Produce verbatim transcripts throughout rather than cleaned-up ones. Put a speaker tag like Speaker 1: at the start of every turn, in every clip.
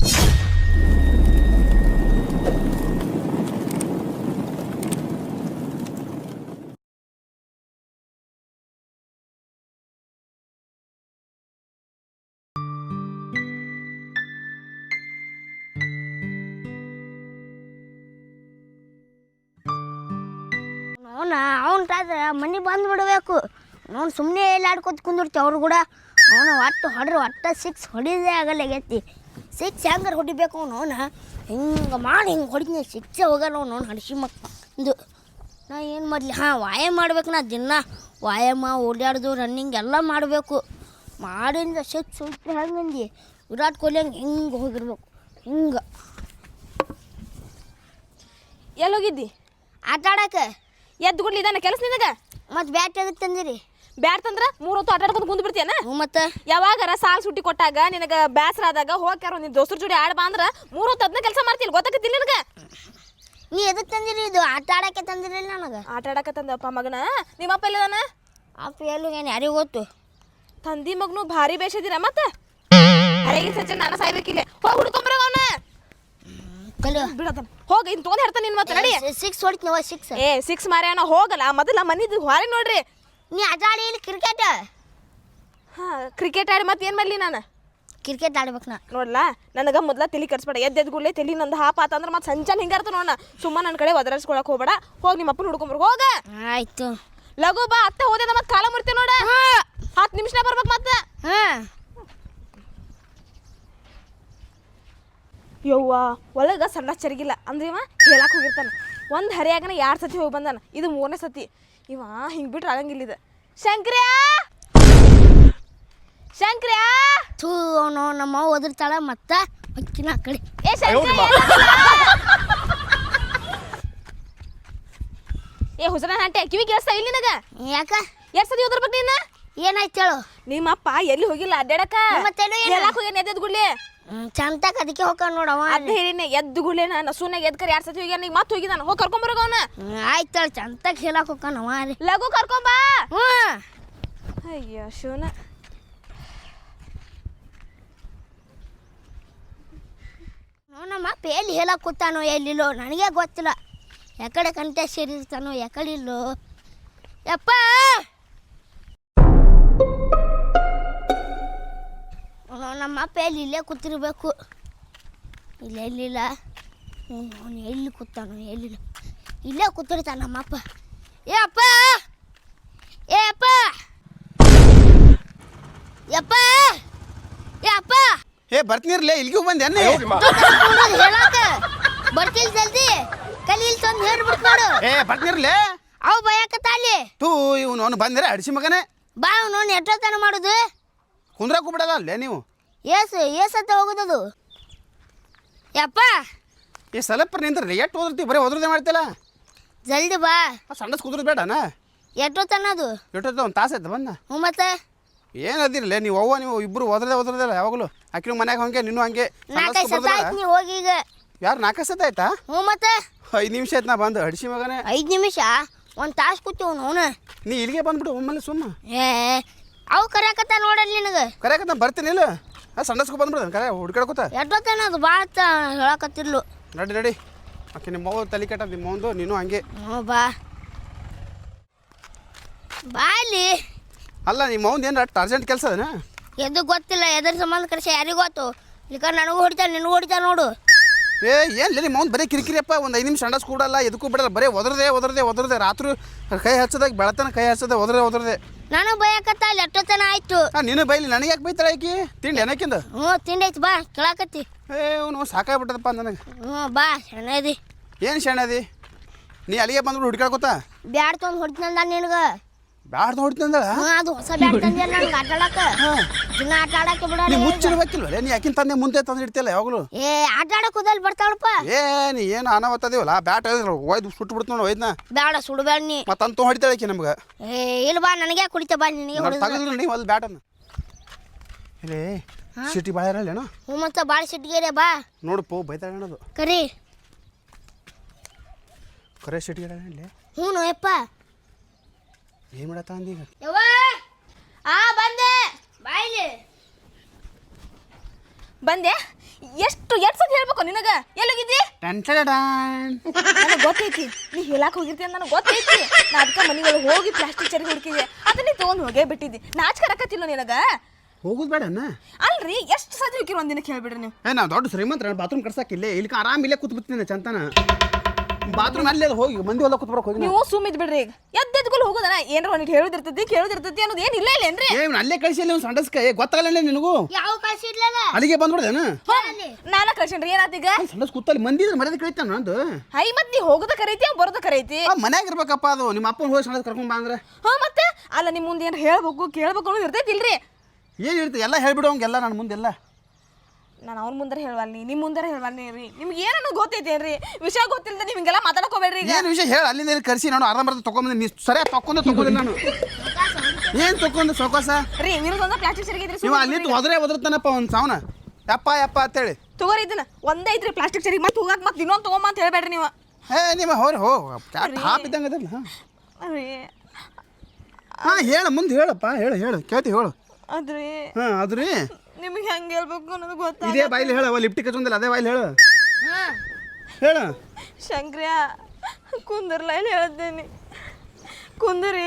Speaker 1: ಅವನ ಅವನ್ಟಾದ್ರೆ ಮನೆ ಬಂದು ಬಿಡಬೇಕು. ಅವ್ನು ಸುಮ್ಮನೆ ಎಲ್ಲ ಆಡ್ಕೊತ ಕುಂದಿರ್ತಿ ಅವ್ರು ಕೂಡ. ಅವನು ಒಟ್ಟು ಹೊಡ್ರಿ ಒಟ್ಟು ಸಿಕ್ಸ್ ಹೊಡಿದೇ ಆಗಲ್ಲ ಗೆತ್ತಿ. ಸಿಕ್ಸ್ ಹೆಂಗಾರು ಹೊಡಿಬೇಕು ಅವನು ಅವನ ಹಿಂಗೆ ಮಾಡಿ ಹಿಂಗೆ ಹೊಡಿತೀನಿ ಸಿಕ್ಸೇ ಹೋಗಲ್ಲ ಅವನು ಅವ್ನು ಹಡಿಸಿ ಮಕ್ಕಂದು. ನಾ ಏನು ಮಾಡಲಿ? ಹಾಂ, ವ್ಯಾಯಾಮ ಮಾಡ್ಬೇಕು. ನಾ ದಿನ ವ್ಯಾಯಾಮ ಓಡಾಡೋದು ರನ್ನಿಂಗ್ ಎಲ್ಲ ಮಾಡಬೇಕು. ಮಾಡಿಂದ ಸಿಕ್ಸ್ ಹೊಡಿತು ಹೆಂಗಂದು ವಿರಾಟ್ ಕೊಹ್ಲಿ ಹಂಗೆ ಹಿಂಗೆ ಹೋಗಿರ್ಬೇಕು ಹಿಂಗೆ.
Speaker 2: ಎಲ್ಲೋಗಿದ್ದಿ?
Speaker 1: ಆಟ ಆಡಕ್ಕೆ.
Speaker 2: ಎದ್ದು ಗುಡ್ಲಿ ಇದಾನೆ ಕೆಲಸ ನಿನಗೆ?
Speaker 1: ಮತ್ತು ಬ್ಯಾಟ್ ಎದಕ್ಕೆ ತಂದಿರಿ?
Speaker 2: ಬ್ಯಾಟ್ ತಂದ್ರೆ ಮೂರು ಹೊತ್ತು ಆಟ ಆಡ್ಕೊಂಡು ಕುಂದು ಬಿಡ್ತೀಯನ?
Speaker 1: ಮತ್ತು
Speaker 2: ಯಾವಾಗಾರ ಸಾಲ್ ಸುಟ್ಟಿ ಕೊಟ್ಟಾಗ ನಿನಗೆ ಬೇಸರ ಆದಾಗ ಹೋಗ್ಯಾರ ನಿನ್ನ ದೋಸ್ತರ ಜೋಡಿ ಆಡ್ ಬಾ ಅಂದ್ರೆ ಮೂರು ಹೊತ್ತು ಅದನ್ನ ಕೆಲಸ ಮಾಡ್ತಿಲ್ಲ, ಗೊತ್ತಾಗತ್ತಿಲ್ಲ ನಿನಗೆ?
Speaker 1: ನೀ ಎದಕ್ಕೆ ತಂದಿರಿ? ಇದು ಆಟ ಆಡಕ್ಕೆ ತಂದಿರಲಿಲ್ಲ ನನಗೆ.
Speaker 2: ಆಟ ಆಡಕ್ಕೆ ತಂದಪ್ಪ ಮಗನ. ನಿಮ್ಮಪ್ಪ ಎಲ್ಲಿದಾನ?
Speaker 1: ಅಪ್ಪ ಎಲ್ಲೂ ಏನು ಯಾರಿಗೂ ಗೊತ್ತು.
Speaker 2: ತಂದಿ ಮಗನು ಭಾರಿ ಬೇಷದಿರ ಮತ್ತೆ ಅರೆಗೆ ಸಚ್ಚ ನಾನು ಸಾಯ್ಬೇಕಿಲ್ಲ. ಹೋಗಿ ಹುಡ್ಕೊಂಬರ ಅವನ
Speaker 1: ಕಲಿಯೋ
Speaker 2: ಬಿಡತಾನ. ಹೋಗ ಇನ್ ತೊಗೊಂಡ್ ಹೇಳ್ತಾನೆ ನಿನ್ ಮತ್ತೆ ನಡಿ.
Speaker 1: ಸಿಕ್ಸ್ ಹೊಡಿತೀನವ ಸಿಕ್ಸ್.
Speaker 2: ಏ ಸಿಕ್ಸ್ ಮಾರ್ಯಾನ ಹೋಗಲ್ಲ ಮೊದಲ ಮನಿದ್ ಹೊರಗೆ ನೋಡ್ರಿ.
Speaker 1: ನೀ ಆಟ ಆಡಿ ಇಲ್ಲಿ ಕ್ರಿಕೆಟ್.
Speaker 2: ಹಾ ಕ್ರಿಕೆಟ್ ಆಡಿ ಮತ್ತೆ ಏನು ಮಾಡಲಿ ನಾನು?
Speaker 1: ಕ್ರಿಕೆಟ್ ಆಡ್ಬೇಕು ನಾ.
Speaker 2: ನೋಡ್ಲ ನನಗೆ ಮೊದಲ ತಲೆ ಕಟ್ಸ್ಬೇಡ. ಎದ್ದು ಎದ್ದು ಗುಡ್ಲೆ ತಲೆ ನಂದು ಹಾಪ ಆತಂದ್ರೆ ಮತ್ತೆ ಸಂಚಾನ ಹಿಂಗಾರ್ತ ನೋಡ. ಸುಮ್ಮ ನನ್ನ ಕಡೆ ಒದರಿಸ್ಕೊಳಕ್ ಹೋಗ್ಬೇಡ. ಹೋಗಿ ನಿಮ್ಮ ಅಪ್ಪನ ಹುಡ್ಕೊಂಬರ್ ಹೋಗ.
Speaker 1: ಆಯ್ತು
Speaker 2: ಲಘು ಬಾ. ಅತ್ತೆ ಹೋದ ಮತ್ತೆ ಕಾಲ ಮುರ್ತೀವಿ ನೋಡ. ಹತ್ತು ನಿಮಿಷನ ಬರ್ಬೇಕು ಮತ್ತೆ.
Speaker 1: ಹಾಂ
Speaker 2: ಯವ್ವ ಒಳಗೆ ಸಣ್ಣ ಚರಿಗಿಲ್ಲ ಅಂದ್ರೆ ಇವ ಹೇಳಕ್ಕೆ ಹೋಗಿರ್ತಾನೆ. ಒಂದು ಹರಿಯಾಗನ ಎರಡು ಸತಿ ಹೋಗಿ ಬಂದಾನ, ಇದು ಮೂರನೇ ಸತಿ. ಇವ ಹಿಂಗೆ ಬಿಟ್ರೆ ಆಗಂಗಿಲ್ಲ. ಇದು ಶಂಕ್ರ್ಯಾ ಶಂಕ್ರ್ಯಾ
Speaker 1: ಥೂ ಅವನು ನಮ್ಮ ಅವ್ವ ಒದರ್ತಾಳ ಮತ್ತೆ ಅಕ್ಕಿನ ಆ ಕಡೆ.
Speaker 2: ಏ ಶಂಕ್ರ್ಯಾ ಏ ಹುಸನ ಹಂಟೆ ಕಿವಿ ಕೇಳಿಸ್ತಾ ಇಲ್ಲ ನಿನಗೆ?
Speaker 1: ಯಾಕ
Speaker 2: ಎಷ್ಟು ಸತಿ ಓದಿರ್ಬೇಕು ನೀನು?
Speaker 1: ಏನಾಯ್ತು ಹೇಳು?
Speaker 2: ನಿಮ್ಮಪ್ಪ ಎಲ್ಲಿ ಹೋಗಿಲ್ಲ ಅಡ್ಡಾಡಕ,
Speaker 1: ಮತ್ತೆ
Speaker 2: ಹೇಳಕ್ಕೆ ಹೋಗಿ ಎದ್ದು ಗುಡ್ಲಿ
Speaker 1: ಚಂತಕ್ ಅದಕ್ಕೆ ಹೋಗ ನೋಡವ.
Speaker 2: ಅದೇ ಹೇಳಿನಿ ಎದ್ದು ಗುಡ್ಲೆ ನಾನು ಸುನಾಗ ಎದ್ಕರ್ ಎರಡು ಸತಿ ಹೋಗ್ಯಾನ. ಈಗ ಮತ್ತೆ ಹೋಗಿದ್ದಾನ. ಹೋಗಿ ಕರ್ಕೊಂಬರೋಗ ಅವನ.
Speaker 1: ಆಯ್ತು ಹೇಳಿ ಚಂತಕ್ ಹೇಳಕ್ ಹೋಗ್ಕನವ ರೀ.
Speaker 2: ಲಘು ಕರ್ಕೊಂಬಾ.
Speaker 1: ಹ್ಞೂ
Speaker 2: ಅಯ್ಯೋ ಶಿವನ.
Speaker 1: ನಮ್ಮ ಅಪ್ಪ ಎಲ್ಲಿ ಹೇಳಕ್ ಕೂತಾನೋ ಎಲ್ಲಿಲ್ಲೋ ನನಗೆ ಗೊತ್ತಿಲ್ಲ. ಯಾಕಡೆ ಕಂಟೆ ಸೇರಿರ್ತಾನೋ ಯಾಕಡೆ ಇಲ್ಲೋ. ಯಪ್ಪ ನಮ್ಮ ಅಪ್ಪ ಎಲ್ಲಿ ಇಲ್ಲೇ ಕೂತಿರ್ಬೇಕು. ಇಲ್ಲ ಎಲ್ಲಿಲ್ಲ. ಅವನು ಎಲ್ಲಿ ಕೂತಾನೋ ಎಲ್ಲಿಲ್ಲ. ಇಲ್ಲೇ ಕೂತಿರ್ತಾನ ನಮ್ಮಪ್ಪ. ಏ ಅಪ್ಪ ಏ ಅಪ್ಪ ಯಪ್ಪ ಏ ಅಪ್ಪ
Speaker 3: ಏ ಬರ್ತೀನಿರ್ಲೇ ಇಲ್ಲಿಗೂ ಬಂದೆ ಅನ್ನ
Speaker 1: ಹೇಳಾಕ ಬರ್ತಿಲ್ ಜಲ್ದಿ ಕಲಿ ಇಲ್ಲಿ ತಂದು ಹೇಳ್ಬಿಟ್ಟು ನೋಡು.
Speaker 3: ಏ ಬರ್ತೀನಿರ್ಲೇ
Speaker 1: ಅವು ಬಯಕತ್ತ ಅಲ್ಲಿ
Speaker 3: ತೂ ಇವನು ಅವನು ಬಂದಿರ ಅಡಿಸಿ ಮಗನೇ
Speaker 1: ಬಾ ಅವನು ಎಷ್ಟೊತ್ತನ ಮಾಡುದು
Speaker 3: ಕುಂದ್ರಾಕು ಬಿಡಲ್ಲ ಅಲ್ಲೇ ನೀವು.
Speaker 1: ಏಸು ಏಸತ್ತ ಹೋಗುದದು ಯಪ್ಪ.
Speaker 3: ಏ ಸ್ವಲ್ಪ ನಿಂದ್ರಿ ಎಷ್ಟು ಓದಿರ್ತೀವಿ ಬರೀ ಓದ್ರದೇ ಮಾಡ್ತಿಲ್ಲ.
Speaker 1: ಜಲ್ದಿ ಬಾ.
Speaker 3: ಸಣ್ಣ ಕುದುರ್ ಬೇಡನಾ?
Speaker 1: ಎಷ್ಟೊತ್ತನ್ನದು
Speaker 3: ಎಷ್ಟೊತ್ತ ಒಂದು ತಾಸು ಆಯ್ತು ಬಂದ.
Speaker 1: ಹ್ಞೂ ಮತ್ತೆ
Speaker 3: ಏನದಿರಲೇ ನೀವು ಅವ್ವ ನೀವು ಇಬ್ಬರು ಓದ್ರದೇ ಓದ್ರದಿಲ್ಲ ಯಾವಾಗಲೂ. ಆಕಿನ ಮನ್ಯಾಗ ಹಂಗೆ ನೀನು ಹಂಗೆ.
Speaker 1: ನಾಲ್ಕೈದು ಸತ ಆಯ್ತು ನೀವು ಹೋಗಿ ಈಗ.
Speaker 3: ಯಾರು ನಾಲ್ಕು ಸತ ಆಯ್ತಾ?
Speaker 1: ಹ್ಞೂ ಮತ್ತೆ
Speaker 3: ಐದು ನಿಮಿಷ ಆಯ್ತು ನಾ ಬಂದು ಅಡಿಸಿ ಮಗನೇ.
Speaker 1: ಐದು ನಿಮಿಷ ಒಂದು ತಾಸು ಕೂತೀವಿ ಅವನು.
Speaker 3: ನೀ ಇಲ್ಲಿಗೆ ಬಂದ್ಬಿಡು ಒಮ್ಮೆಲೆ ಸುಮ್ಮ.
Speaker 1: ಏ ಅವು ಕರೆಯಕತ್ತ ನೋಡಲ್ಲಿ ನಿನಗೆ.
Speaker 3: ಕರೆಯಕ ನಾ ಬರ್ತೀನಿ ಇಲ್ಲ ಸಣ್ಣಸ್ಕೊ ಬಂದ್ಬಿಡ್ದೆ ಕರೆ ಹುಡ್ಕಾಡ್ಕೊತ.
Speaker 1: ಎಷ್ಟೊತ್ತನದು ಭಾಳ ಹೇಳಕತ್ತಿರ್ಲು.
Speaker 3: ನಡಿ ನಡಿ ಆಕೆ ನಿಮ್ಮ ಅವ್ವ ತಲೆ ಕೆಟ್ಟ ನಿಮ್ಮ ಒಂದು ನೀನು ಹಂಗೆ.
Speaker 1: ಹ್ಞೂ ಬಾ ಬಾ ಇಲ್ಲಿ.
Speaker 3: ಅಲ್ಲ ನಿಮ್ಮ ಅವ್ನು ಏನು ಅಷ್ಟು ಅರ್ಜೆಂಟ್ ಕೆಲಸ ಅದನ?
Speaker 1: ಎದು ಗೊತ್ತಿಲ್ಲ ಎದ್ರ ಸಂಬಂಧ ಕರೆಸಿ ಯಾರಿಗೂ ಗೊತ್ತು. ಈಗ ನನಗೂ ಹೊಡಿತಾನೆ ನಿನಗೂ ಹೊಡಿತಾನೆ ನೋಡು.
Speaker 3: ಏ ಏನು ನಿಮ್ಮ ಅವ್ನು ಬರೀ ಕಿರಿಕಿರಿಯಪ್ಪ. ಒಂದು ಐದು ನಿಮಿಷ ಅಂಡಸ್ ಕೂಡಲ್ಲ ಎದಕ್ಕೂ ಬಿಡಲ್ಲ. ಬರೀ ಒದರದೆ ಒದರದೆ ಒದರದೆ ರಾತ್ರಿ ಕೈ ಹಚ್ಚದಾಗ ಬೆಳತನ ಕೈ ಹಚ್ಚದೆ ಒದರದೆ ಒದರದೆ.
Speaker 1: ನಾನು ಬಯಕತ್ತ ಅಲ್ಲಿ ಎಷ್ಟೊತ್ತನ ಆಯ್ತು.
Speaker 3: ಹಾಂ ನೀನು ಬೈಲಿ ನನಗೆ ಯಾಕೆ ಬೈತಾಳೆ ಆಕಿ? ತಿಂಡಿ ಏನಕ್ಕಿಂದ?
Speaker 1: ಹ್ಞೂ ತಿಂಡೈತಿ ಬಾ ಕೇಳಾಕತ್ತಿ.
Speaker 3: ಏ ಅವನು ಸಾಕಾಗ್ಬಿಟ್ಟದಪ್ಪ ನನಗೆ.
Speaker 1: ಹ್ಞೂ ಬಾ ಶಣದಿ.
Speaker 3: ಏನು ಶಣದಿ? ನೀ ಅಲ್ಲಿಗೆ ಬಂದ್ಬಿಟ್ಟು ಹುಡ್ಕಾಡ್ಕೊತ
Speaker 1: ಬ್ಯಾಡ್ ತೊಗೊಂಡು ಹೊಡಿತಂದ ನಿನಗೆ.
Speaker 3: ಬ್ಯಾಡ್ದು ಹೊಡಿತಂದಳ?
Speaker 1: ಹ್ಞೂ ಅದು ಹೊಸ ಬ್ಯಾಡ್ ತಂದಿಲ್ಲ ನನಗೆ ಆಟ ಆಡಕ್ಕೆ. ದಿನ ಆಟ ಆಡಕ್ಕೆ
Speaker 3: ನೀ
Speaker 1: ಬಿಡಲ್ಲ.
Speaker 3: ಮುಚ್ಚಿಡ್ಬೇಕಿಲ್ವೇ ನೀ ಯಾಕಿನ ತಂದೆ ಮುಂದೆ ತಂದು ಇಡ್ತಿಲ್ಲ ಯಾವಾಗಲೂ?
Speaker 1: ಏ ಆಟ ಆಡಕ್ಕೆ ಹೋದಲ್ಲಿ ಬರ್ತಾಳಪ್ಪ.
Speaker 3: ಏ ನೀ ಏನು ಅನಾವತ್ತದೇವಲ್ಲ ಬ್ಯಾಟ್ ಒಯ್ದು ಸುಟ್ಟು ಬಿಡ್ತು ನೋಡಿ ಒಯ್ದನ.
Speaker 1: ಬೇಡ ಸುಡಬೇಡ ನೀ.
Speaker 3: ಮತ್ತೆ ಅಂತ ಹೊಡಿತಾಳೆ ಆಕಿ ನಮ್ಗೆ.
Speaker 1: ಏ ಇಲ್ಲ ಬಾ ನನಗೆ ಕುಡಿತ ಬಾ ನಿನಗೆ ಹೊಡಿದ.
Speaker 3: ತಗದ್ರಿ ನೀವು ಅಲ್ಲಿ ಬ್ಯಾಟನ್ನು ಇಲ್ಲೇ ಸಿಟಿ ಭಾಳ ಇರಲ್ಲೇನೋ?
Speaker 1: ಹ್ಞೂ ಮತ್ತೆ ಭಾಳ ಸಿಟ್ಟಿಗೆರೆ ಬಾ.
Speaker 3: ನೋಡು ಪೋ ಬೈತಾಳೆ ಅನ್ನೋದು
Speaker 1: ಕರಿ.
Speaker 3: ಕರೆ ಸಿಟಿಗೆ ಇಲ್ಲಿ.
Speaker 1: ಹ್ಞೂ ಯಪ್ಪ
Speaker 3: ಏನು ಮಾಡತ್ತ ಅಂದೀಗ?
Speaker 1: ಯವ್ವ
Speaker 2: ಆ ಬಂದೆ
Speaker 1: ಬಾಯ್ಲಿ
Speaker 2: ಬಂದೆ. ಎಷ್ಟು ಎಷ್ಟು ಸತಿ ಹೇಳ್ಬೇಕು ನಿನಗ ಎಲ್ಲೋಗಿದ್ದಿ ನನಗೆ ಗೊತ್ತೈತಿ ನೀ ಹೇಳಕ್ ಹೋಗಿರ್ತಿ ಅಂತ ನನಗೆ ಗೊತ್ತೈತಿ ನಾ ಅದಕ್ಕೆ ಮನೆಗಳು ಹೋಗಿ ಪ್ಲಾಸ್ಟಿಕ್ ಚರಿಗೆ ಹುಡುಕಿದೆ ಅದನ್ನ ನೀ ತೊಗೊಂಡು ಹೋಗೇ ಬಿಟ್ಟಿದ್ದಿ ನಾಚಿಕೆ ರಕತ್ತಿಲ್ಲ ನಿನಗ
Speaker 3: ಹೋಗುದು ಬೇಡಣ್ಣ
Speaker 2: ಅಲ್ರಿ ಎಷ್ಟು ಸತಿ ಹೋಗಿರಿ ಒಂದಿನಕ್ಕೆ ಹೇಳ್ಬಿಡ್ರಿ ನೀವು
Speaker 3: ಏ ನಾವು ದೊಡ್ಡ ಶ್ರೀಮಂತರ ಬಾತ್ರೂಮ್ ಕಟ್ಸಾಕಿಲ್ಲೇ ಇಲ್ಲಿ ಆರಾಮ್ ಇಲ್ಲೇ ಕೂತ್ ಬಿಡ್ತೀನಿ ಚಂತನ ಬಾತ್ರೂಮ್ ಅಲ್ಲೇ ಹೋಗಿ ಮಂದಿ ಹೊಲ ಕೂತ್ ಬರಕ್ ಹೋಗಿ
Speaker 2: ನೀವು ಸುಮ್ಮಿದ್ ಬಿಡ್ರಿ ಈಗ ಎದ್ದೆದ್ಗಳು ಹೋಗೋದನ ಏನಾರ ಒಂದಿಟ್ಟು ಹೇಳೋದಿರ್ತೈತಿ ಕೇಳೋದಿರ್ತೈತಿ ಅನ್ನೋದು ಏನು ಇಲ್ಲ ಇಲ್ಲೇನ್ರಿ
Speaker 3: ಏ ಇವ್ನು ಅಲ್ಲೇ ಕಳಿಸಿ ಒಂದು ಸಂಡಸ್ಕ ಏ ಗೊತ್ತಾಗಲ್ಲ ನಿನಗೂ
Speaker 1: ಯಾವ ಕಳ್ಸಿ ಇಡ್ಲಲ್ಲ
Speaker 3: ಅಲ್ಲಿಗೆ ಬಂದ್ಬಿಡ್ದೇನ
Speaker 2: ನಾನ ಕಳ್ಸೇನ್ರಿ ಏನಾತೀಗ
Speaker 3: ಸಂಡಸ್ ಕೂತಲ್ಲಿ ಮಂದಿ ಮರ್ಯಾದೆ ಕಳಿತಾನ ನಂದು
Speaker 2: ಹೈ ಮತ್ ನೀ ಹೋಗೋದ ಕರೈತಿ ಅವ್ ಬರೋದ ಕರೈತಿ
Speaker 3: ಮನ್ಯಾಗ ಇರ್ಬೇಕಪ್ಪ ಅದು ನಿಮ್ಮ ಅಪ್ಪನ ಹೋಗಿ ಸಂಡಸ್ ಕರ್ಕೊಂಡ್ ಬಾ ಅಂದ್ರೆ
Speaker 2: ಹಾ ಮತ್ತೆ ಅಲ್ಲ ನಿಮ್ ಮುಂದೆ ಏನಾರ ಹೇಳ್ಬೇಕು ಕೇಳ್ಬೇಕು ಅನ್ನೋದು ಇರ್ತೈತಿ ಇಲ್ರಿ
Speaker 3: ಏನು ಇರ್ತದೆ ಎಲ್ಲ ಹೇಳ್ಬಿಡು ಹಂಗೆಲ್ಲ ನನ್ನ ಮುಂದೆಲ್ಲ
Speaker 2: ನಾನು ಅವ್ರ ಮುಂದಾರ ಹೇಳ್ವಲ್ನಿ ನಿಮ್ಮ ಮುಂದಾರ ಹೇಳ್ವಲ್ನಿ ರೀ ನಿಮ್ಗೆ ಏನನ್ನೋ ಗೊತ್ತೈತೇನ್ರಿ ವಿಷಯ ಗೊತ್ತಿಲ್ಲದೆ ನೀವು ಹಿಂಗೆಲ್ಲ ಮಾತಾಡಕೋಬೇಡ್ರಿ ಈಗ
Speaker 3: ಏನು ವಿಷಯ ಹೇಳಿ ಅಲ್ಲಿಂದ ಕರ್ಸಿ ನಾನು ಆರಾಮ ಬರ್ತಾ ತೊಗೊಂಬಂದು ನೀ ಸರಿಯಾಗಿ ತಕ್ಕೊಂಡೆ ತಗೊಂಡಿಲ್ಲ ನಾನು ಏನು ತಗೊಂಡು ಸೊಕೋಸ
Speaker 2: ರೀ ವಿರುದ್ಧ ಪ್ಲಾಸ್ಟಿಕ್ ಚರಿಗೆ
Speaker 3: ನೀವು ಅಲ್ಲಿ ಹೋದ್ರೆ ಒದರ್ತಾನಪ್ಪ ಒಂದು ಸಾವನ ಯಪ್ಪ ಯಪ್ಪ ಅಂತೇಳಿ
Speaker 2: ತಗೋರಿ ಇದನ್ನ ಒಂದೇ ಐತ್ರಿ ಪ್ಲಾಸ್ಟಿಕ್ ಚರಿಗೆ ಮತ್ತೆ ಹೋಗಕ್ಕೆ ಮತ್ತೆ ಇನ್ನೊಂದು ತಗೊಂಬ ಅಂತ ಹೇಳ್ಬೇಡ್ರಿ ನೀವು
Speaker 3: ಹೇ ನಿಮ್ಮ ಹೋರಿ ಹೋ ಹಾಪ್ ಇದ್ದಂಗೆ ಅದಲ್ಲ ಹಾಂ
Speaker 2: ರೀ
Speaker 3: ಹಾಂ ಹೇಳು ಮುಂದೆ ಹೇಳಪ್ಪ ಹೇಳು ಹೇಳು ಕೇಳ್ತಿ ಹೇಳು
Speaker 2: ಅದ್ರಿ
Speaker 3: ಹಾಂ ಅದು ರೀ
Speaker 2: ನಿಮಗೆ ಹೆಂಗೆ ಹೇಳ್ಬೇಕು ಅನ್ನೋದು ಗೊತ್ತಾ
Speaker 3: ಇದೇ ಬಾಯಿಲಿ ಹೇಳು ಲಿಫ್ಟಿಗೆ ಹಚ್ಚೊಂದಿಲ್ಲ ಅದೇ ಬಾಯಿಲಿ ಹೇಳು ಹೇಳು
Speaker 2: ಶಂಕ್ರಿಯ ಕುಂದರ್ಲ ಏನು ಹೇಳ್ತೇನೆ ಕುಂದರಿ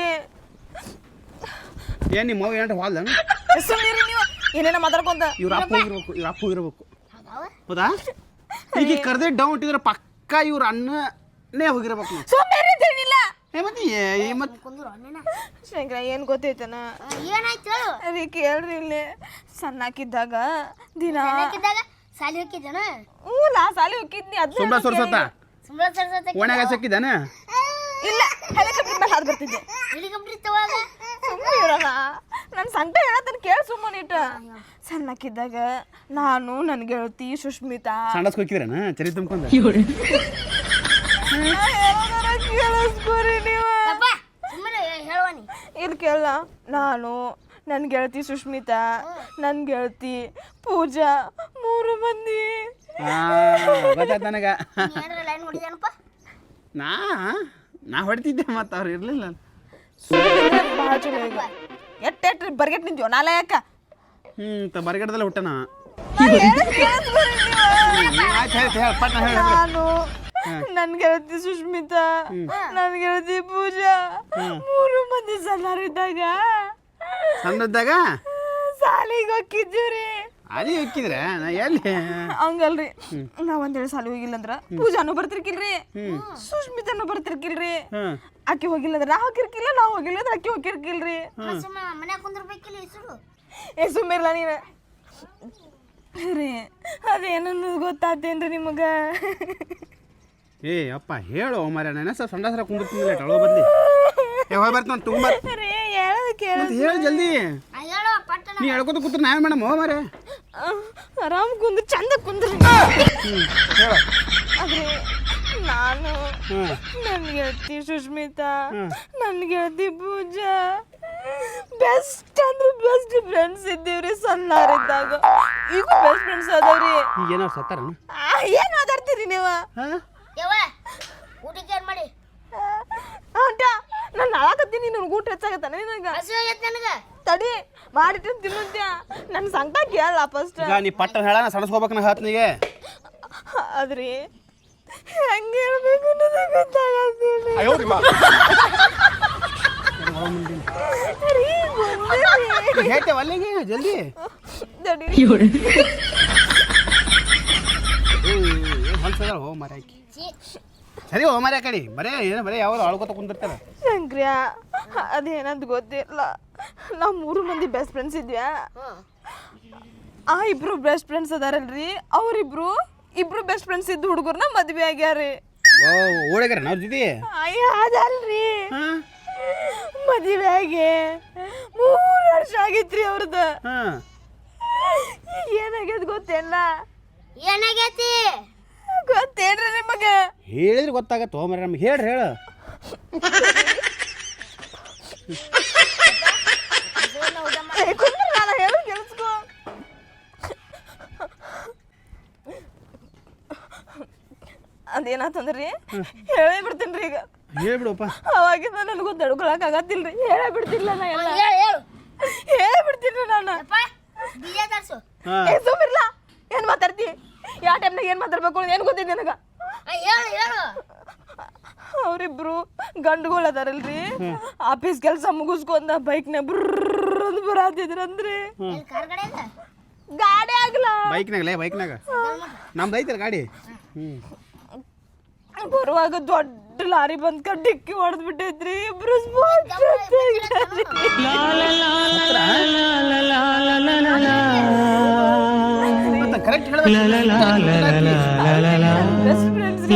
Speaker 3: ಏನು ನಿಮ್ಮ ಮಗು ಏನಾರ ಹಾಲ್ದ
Speaker 2: ಸುಮ್ಮನೆ ನೀವು ಏನೇನೋ ಮಾತಾಡ್ಕೊಂತ
Speaker 3: ಇವ್ರ ಅಪ್ಪ ಹೋಗಿರ್ಬೇಕು ಇವ್ರ ಅಪ್ಪ ಹೋಗಿರ್ಬೇಕು ಹೌದಾ ಈಗ ಕರ್ದೆ ಡೌನ್ ಇಟ್ಟಿದ್ರೆ ಪಕ್ಕ ಇವ್ರ ಅಣ್ಣನೇ ಹೋಗಿರ್ಬೇಕು
Speaker 2: ಸುಮ್ಮನೆ ಏನಿಲ್ಲ
Speaker 3: ಏ ಮತ್ತೆ ಏ ಮತ್ತೆ
Speaker 1: ಕುಂದ್ರು ಅಣ್ಣ
Speaker 2: ಶಂಕರ ಏನು ಗೊತ್ತೈತನ
Speaker 1: ಏನಾಯ್ತು ಹೇಳು
Speaker 2: ರೀ ಕೇಳ್ರಿ ಇಲ್ಲಿ ಸಣ್ಣಾಕಿದ್ದಾಗ ದಿನ
Speaker 1: ಹಾಕಿದ್ದಾಗ ಸಾಲಿ ಹೋಗಿದ್ದಾನ
Speaker 2: ಹ್ಞೂ ನಾ ಸಾಲಿ ಹೋಗಿದ್ನಿ ಅದು
Speaker 3: ಸುಮ್ಮನೆ ಸುರ್ಸತ್ತ
Speaker 1: ಸುಮ್ಮನೆ ಸರ್ಸತ್ತೆ
Speaker 3: ಓಣ್ಯಾಗ ಹಚ್ಚಕ್ಕಿದ್ದಾನೆ
Speaker 2: ಇಲ್ಲ ಹೆಲಿಕಾಪ್ಟರ್ ಮೇಲೆ ಹಾದು ಬರ್ತಿದ್ದೆ
Speaker 1: ಹೆಲಿಕಾಪ್ಟರ್ ತವಾಗ
Speaker 2: ಸುಮ್ಮನೆ ಇರೋಣ ನನ್ನ ಸಂಟ ಹೇಳತ್ತನ ಕೇಳಿ ಸುಮ್ಮನೆ ಇಟ್ಟ ಸಣ್ಣಕ್ಕಿದ್ದಾಗ ನಾನು ನನ್ನ ಗೆಳತಿ ಸುಷ್ಮಿತಾ
Speaker 3: ಸಂಡಸ್ ಹೋಗಿದ್ರೇನ ಚರಿ ತುಂಬ್ಕೊಂಡು
Speaker 2: ಕೇಳಿಸ್ಕೋರಿ ನೀವು
Speaker 1: ಯಪ್ಪ ಸುಮ್ಮನೆ ಹೇಳುವನಿ
Speaker 2: ಇಲ್ಲಿ ಕೇಳ ನಾನು ನನ್ನ ಗೆಳತಿ ಸುಷ್ಮಿತಾ ನನ್ನ ಗೆಳತಿ ಪೂಜಾ ಮೂರು ಮಂದಿ
Speaker 3: ಗೊತ್ತಾಯ್ತು ನನಗೆ
Speaker 1: ಏನಾರ ಲೈನ್ ಹೊಡಿದಾನಪ್ಪ
Speaker 3: ನಾ ನಾ ಹೊಡಿತಿದ್ದೆ ಮತ್ತು ಅವ್ರು ಇರಲಿಲ್ಲ
Speaker 2: ಭಾಳ ಚಲೋ ಈಗ ಎಟ್ಟು ಎಟ್ಟು ಬರ್ಗೆಟ್ ನಿಂತೀವ ನಾಳೆ ಯಾಕ
Speaker 3: ಹ್ಞೂ ತ ಬರಗಡದಲ್ಲೇ ಹುಟ್ಟನ ಆಯ್ತು ಹೇಳ್ತಿ ಹೇಳಿ ಪಟ್ನ ಹೇಳಿ
Speaker 2: ನಾನು ನನ್ನ ಗೆಳತಿ ಸುಷ್ಮಿತಾ ನನ್ನ ಗೆಳತಿ ಪೂಜಾ ಮೂರು ಮಂದಿ ಸಣ್ಣರಿದ್ದಾಗ
Speaker 3: ಸಣ್ಣದಾಗ
Speaker 2: ಸಾಲಿಗೆ ಹೋಗಿದ್ದೀವ್ರಿ
Speaker 3: ಅಲ್ಲಿ ಹೋಗಿದ್ರೆ ನಾ ಎಲ್ಲಿ
Speaker 2: ಹಂಗಲ್ರಿ ನಾವ್ ಒಂದೇಳು ಸಾಲಿ ಹೋಗಿಲ್ಲ ಅಂದ್ರ ಪೂಜಾನು ಬರ್ತಿರ್ಕಿಲ್ರಿ ಸುಷ್ಮಿತಾನು ಬರ್ತಿರ್ಕಿಲ್ರಿ ಆಕಿ ಹೋಗಿಲ್ಲ ಅಂದ್ರೆ ನಾ ಹೋಗಿರ್ಕಿಲ್ಲ ನಾ ಹೋಗಿಲ್ಲ ಅಂದ್ರೆ ಆಕಿ ಹೋಗಿರ್ಕಿಲ್ರಿ
Speaker 1: ಸುಮ್ಮ ಮನ್ಯಾಗ ಕುಂದ್ರಬೇಕಿಲ್ಲ ಹೆಸರು
Speaker 2: ಏ ಸುಮ್ಮಿರ್ಲ ನೀನ ರೀ ಅದೇನನ್ನು ಗೊತ್ತಾತೇನ್ರಿ ನಿಮಗ
Speaker 3: ಏ ಅಪ್ಪ ಹೇಳು ಮಾರ್ಯ ನನ್ನ ಸರ್ ಸಂಡಾಸರ ಕುಂದಿರ್ತೀನಿ ಟಳೋ ಬದ್ಲಿ ಏ ಹೋಗಿ ಬರ್ತಾನೆ ತುಂಬ
Speaker 2: ರೀ ಹೇಳೋದು ಕೇಳ
Speaker 3: ಹೇಳು ಜಲ್ದಿ
Speaker 1: ಹೇಳು ಪಟ್ಟಣ
Speaker 3: ನೀ ಹೇಳ್ಕೊತ ಕೂತ್ರೆ ನಾವೇ ಮೇಡಮ್ ಹೋ ಮಾರೇ
Speaker 2: ಆರಾಮ್ ಕುಂದ್ರಿ ಚಂದ ಕುಂದ್ರಿ
Speaker 3: ಹೇಳು
Speaker 2: ಆದ್ರೆ ನಾನು
Speaker 3: ಹ್ಞೂ
Speaker 2: ನನ್ನ ಗೆಳತಿ ಸುಷ್ಮಿತಾ ನನ್ನ ಗೆಳತಿ ಪೂಜಾ ಬೆಸ್ಟ್ ಅಂದ್ರೆ ಬೆಸ್ಟ್ ಫ್ರೆಂಡ್ಸ್ ಇದ್ದೀವ್ರಿ ಸಣ್ಣರಿದ್ದಾಗ ಈಗ ಬೆಸ್ಟ್ ಫ್ರೆಂಡ್ಸ್ ಅದಾವ್ರಿ
Speaker 3: ಈಗ ಏನಾರು ಸತ್ತಾರ
Speaker 2: ಏನು ಮಾತಾಡ್ತೀರಿ ನೀವು
Speaker 3: ಹಾಂ
Speaker 1: ಯವ್ವ ಊಟಕ್ಕೆ ಏನು ಮಾಡಿ
Speaker 2: ಆಟ ನಾನು ನಾಳಕತ್ತೀನಿ ನನಗೆ ಊಟ ಹೆಚ್ಚಾಗತ್ತಾನೆ ನಿನಗೆ
Speaker 1: ಹಸು ಆಗೈತೆ ನನಗೆ
Speaker 2: ತಡಿ ಮಾಡಿಟ್ಟು ತಿನ್ನುತ್ಯ ನನ್ನ ಸಂಕಟ ಕೇಳಲ್ಲ ಫಸ್ಟ್
Speaker 3: ಈಗ ನೀ ಪಟ್ಟ ಹೇಳ ನಾ ಸಡಸ್ಕೋಬೇಕು ನಾ ಹೇಳ್ತೀನಿಗೆ
Speaker 2: ಆದ್ರಿ ಹೆಂಗೆ ಹೇಳ್ಬೇಕು ಅನ್ನೋದು ಗೊತ್ತಾಗತ್ತಿಲ್ಲ
Speaker 3: ಹೇಳ್ತೇವೆ ಅಲ್ಲಿಗೆ ಜಲ್ದಿ
Speaker 2: ತಡಿ
Speaker 3: ಹೊಲ್ಸದ ಹೋ ಮರ ಆಕಿ ಸರಿ ಹೋ ಮರ ಕಡೆ ಬರೇ ಏನು ಬರೇ ಯಾವಾಗ ಅಳ್ಕೊತ ಕುಂದಿರ್ತಾರೆ
Speaker 2: ಶಂಕ್ರಿಯ ಅದೇನಂತ ಗೊತ್ತಿಲ್ಲ ನಾವು ಮೂರು ಮಂದಿ ಬೆಸ್ಟ್ ಫ್ರೆಂಡ್ಸ್ ಇದ್ವ್ಯಾ ಆ ಇಬ್ರು ಬೆಸ್ಟ್ ಫ್ರೆಂಡ್ಸ್ ಅದಾರಲ್ರಿ ಅವ್ರಿಬ್ರು ಇಬ್ರು ಬೆಸ್ಟ್ ಫ್ರೆಂಡ್ಸ್ ಇದ್ದು ಹುಡುಗರ್ನ ಮದ್ವೆ ಆಗ್ಯಾರಿ
Speaker 3: ಓ ಓಡಾಗ್ಯಾರ ನಾವು ಜೊತೆ
Speaker 2: ಅಯ್ಯ ಅದಲ್ರಿ
Speaker 3: ಹಾಂ
Speaker 2: ಮದುವೆ ಆಗಿ ಮೂರು ವರ್ಷ ಆಗಿತ್ರಿ ಅವ್ರದ್ದು
Speaker 3: ಹಾಂ
Speaker 2: ಈಗ ಏನಾಗ್ಯದ ಗೊತ್ತೇನ
Speaker 1: ಏನಾಗೈತಿ
Speaker 2: ಗೊತ್ತೇನ್ರಿ ನಿಮಗ
Speaker 3: ಹೇಳಿದ್ರೆ ಗೊತ್ತಾಗತ್ತೆ ಹೋ ಮರ ನಮ್ಗೆ ಹೇಳ್ರಿ ಹೇಳು
Speaker 2: ಕುಂದ್ರ ನಾನು ಹೇಳು ಕೇಳಿಸ್ಕೊ ಅದೇನಾತಂದ್ರಿ ಹೇಳೇ ಬಿಡ್ತೀನಿ ಈಗ
Speaker 3: ಹೇಳ್ಬಿಡಪ್ಪ
Speaker 2: ಅವಾಗಿಂದ ನನಗೂ ತಡ್ಕೊಳಕ್ ಆಗತ್ತಿಲ್ರಿ ಹೇಳೇ ಬಿಡ್ತಿಲ್ಲ ನಾ ಎಲ್ಲ
Speaker 1: ಹೇಳು ಹೇಳು
Speaker 2: ಹೇಳೇ ಬಿಡ್ತೀನಿ ನಾನು
Speaker 1: ಯಪ್ಪ ಬೀಜ ತರ್ಸು
Speaker 3: ಹಾಂ
Speaker 2: ಏ ಸುಮ್ಮಿರ್ಲ ಏನ್ ಏನು ಮಾತಾಡ್ತಿ ಯಾವ ಟೈಮ್ನಾಗ ಏನು ಮಾತಾಡ್ಬೇಕು ಏನು ಗೊತ್ತಿದೆ ನನಗೆ
Speaker 1: ಹೇಳು ಹೇಳು
Speaker 2: ಅವರಿಬ್ರು ಗಂಡುಗಳು ಅದಾರಲ್ರಿ ಆಫೀಸ್ ಕೆಲಸ ಮುಗಿಸ್ಕೊಂಡ ಬೈಕ್ನ ಬ್ರರ್ ಅಂತ ಬರಾತಿದ್ರಂದ್ರಿ
Speaker 1: ಕಾರ್ ಕಡೆ ಇಲ್ಲ
Speaker 2: ಗಾಡಿ ಆಗ್ಲ
Speaker 3: ಬೈಕ್ನಾಗಲೇ ಬೈಕ್ನಾಗ ನಮ್ದು ಐತಲ್ಲ ಗಾಡಿ ಹ್ಞೂ
Speaker 2: ಬರುವಾಗ ದೊಡ್ಡ ಲಾರಿ ಬಂದ್ಕ ಡಿಕ್ಕಿ ಹೊಡೆದ್ ಬಿಟ್ಟೈತ್ರಿ ಇಬ್ರು
Speaker 3: ಕರೆಕ್ಟ್
Speaker 2: ಬೆಸ್ಟ್ ಫ್ರೆಂಡ್ಸ್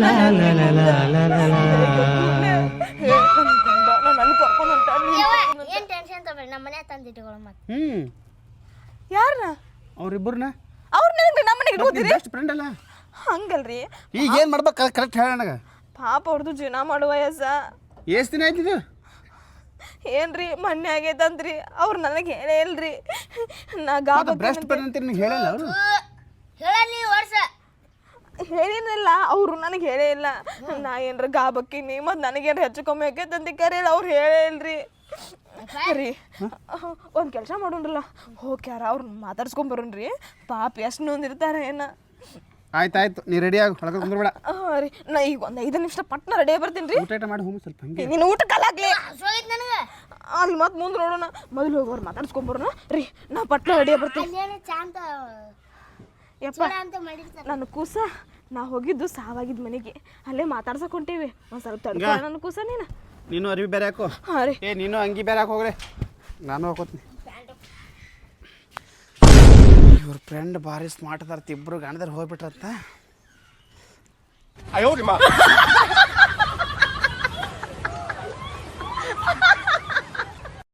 Speaker 2: ನನ್ ಕರ್ಕೊಂಡು ಹೊಂಟಾರ್ರಿ
Speaker 1: ಏನ್ ಟೆನ್ಷನ್ ತಗೋಬೇಡಿ ನಮ್ಮ ಮನೆ ತಂದಿಟ್ಟುಗಳು ಮತ್ತೆ
Speaker 3: ಹ್ಞೂ
Speaker 2: ಯಾರನ್ನ
Speaker 3: ಅವ್ರಿಬ್ಬರನ್ನ
Speaker 2: ಅವ್ರ ನನಗೆ ನಮ್ಮ ಮನೆಗೆ ಇಟ್ಕೋತೀರಿ
Speaker 3: ಬೆಸ್ಟ್ ಫ್ರೆಂಡ್ ಅಲ್ಲ
Speaker 2: ಹಂಗಲ್ರಿ
Speaker 3: ಈಗ ಏನು ಮಾಡ್ಬೇಕು ಕರೆಕ್ಟ್ ಹೇಳ ನನಗೆ
Speaker 2: ಪಾಪ ಅವ್ರದ್ದು ಜೀವನ ಮಾಡುವ ವಯಸ್ಸ
Speaker 3: ಎಷ್ಟು ದಿನ ಆಯ್ತಿದ್ದು
Speaker 2: ಏನ್ರಿ ಮೊನ್ನೆ ಆಗೈತಂದ್ರಿ ಅವ್ರು ನನಗೆ ಹೇಳೇ ಇಲ್ರಿ ನಾ ಗಾಬ
Speaker 3: ಬೆಸ್ಟ್ ಫ್ರೆಂಡ್ ಅಂತ ನಿಮ್ಗೆ ಹೇಳಲ್ಲ ಅವರು
Speaker 1: ಹೇಳ ನೀ ವರ್ಷ
Speaker 2: ಹೇಳಿನಿಲ್ಲ ಅವರು ನನಗೆ ಹೇಳೇ ಇಲ್ಲ ನಾ ಏನ್ರ ಗಾಬಕ್ಕಿನಿ ಮತ್ತು ನನಗೇನು ಹೆಚ್ಚು ಕಮ್ಮಿ ಆಕೈತಂತ ಕರೆಯಲ್ಲ ಅವ್ರು ಹೇಳೇ ಇಲ್ರಿ ರೀ ಒಂದು ಕೆಲಸ ಮಾಡೋಣ್ರಲ್ಲ ಹೋಗಿ ಯಾರ ಅವ್ರು ಮಾತಾಡ್ಸ್ಕೊಂಬರೋಣ್ರಿ ಪಾಪ ಎಷ್ಟು ನೊಂದಿರ್ತಾರೆ ಏನ
Speaker 3: ಆಯ್ತು ಆಯ್ತು ನೀ ರೆಡಿ ಆಗಿ ಹೊಳಗೆ ಕುಂದ್ರಬೇಡ
Speaker 2: ಹಾಂ ರೀ ನಾ ಈಗ ಒಂದು ಐದು ನಿಮಿಷ ಪಟ್ನ ರೆಡಿ ಬರ್ತೀನಿ ರೀ
Speaker 3: ಊಟ ಊಟ ಮಾಡಿ ಹೋಗಿ ಸ್ವಲ್ಪ ಹಂಗೆ
Speaker 2: ನೀನು ಊಟ ಕಾಲಾಗ್ಲಿ
Speaker 1: ಹಸುವಾಗೈತೆ ನನಗೆ
Speaker 2: ಅಲ್ಲಿ ಮತ್ತೆ ಮುಂದೆ ನೋಡೋಣ ಮೊದಲು ಹೋಗಿ ಅವ್ರು ಮಾತಾಡ್ಸ್ಕೊಂಬರೋಣ ರೀ ನಾ ಪಟ್ನ ರೆಡಿ ಬರ್ತೀನಿ
Speaker 1: ಅಲ್ಲೇನು ಚಾಂತ
Speaker 2: ಯಪ್ಪ
Speaker 1: ಚೂಡ ಅಂತ ಮಾಡಿರ್ತಾರೆ
Speaker 2: ನನ್ನ ಕೂಸ ನಾ ಹೋಗಿದ್ದು ಸಾವಾಗಿದ್ದ ಮನೆಗೆ ಅಲ್ಲೇ ಮಾತಾಡ್ಸಕ್ ಹೊಂಟೀವಿ ಒಂದು ಸ್ವಲ್ಪ ತಡ್ಕೊ ನನ್ನ ಕೂಸ ನೀನು
Speaker 3: ನೀನು ಅರಿವಿ ಬೇರೆ ಹಾಕು
Speaker 2: ಹಾಂ ರೀ
Speaker 3: ಏ ನೀನು ಅಂಗಿ ಬೇರೆ ಹಾಕಿ ಹೋಗ್ರೆ ನಾನು ಹಾಕೋತೀನಿ ಇವ್ರ ಫ್ರೆಂಡ್ ಭಾರಿ ಸ್ಮಾರ್ಟ್ ಅದಾರ ಇಬ್ಬರು ಗಂಡದಾರ ಹೋಗ್ಬಿಟ್ರಂತ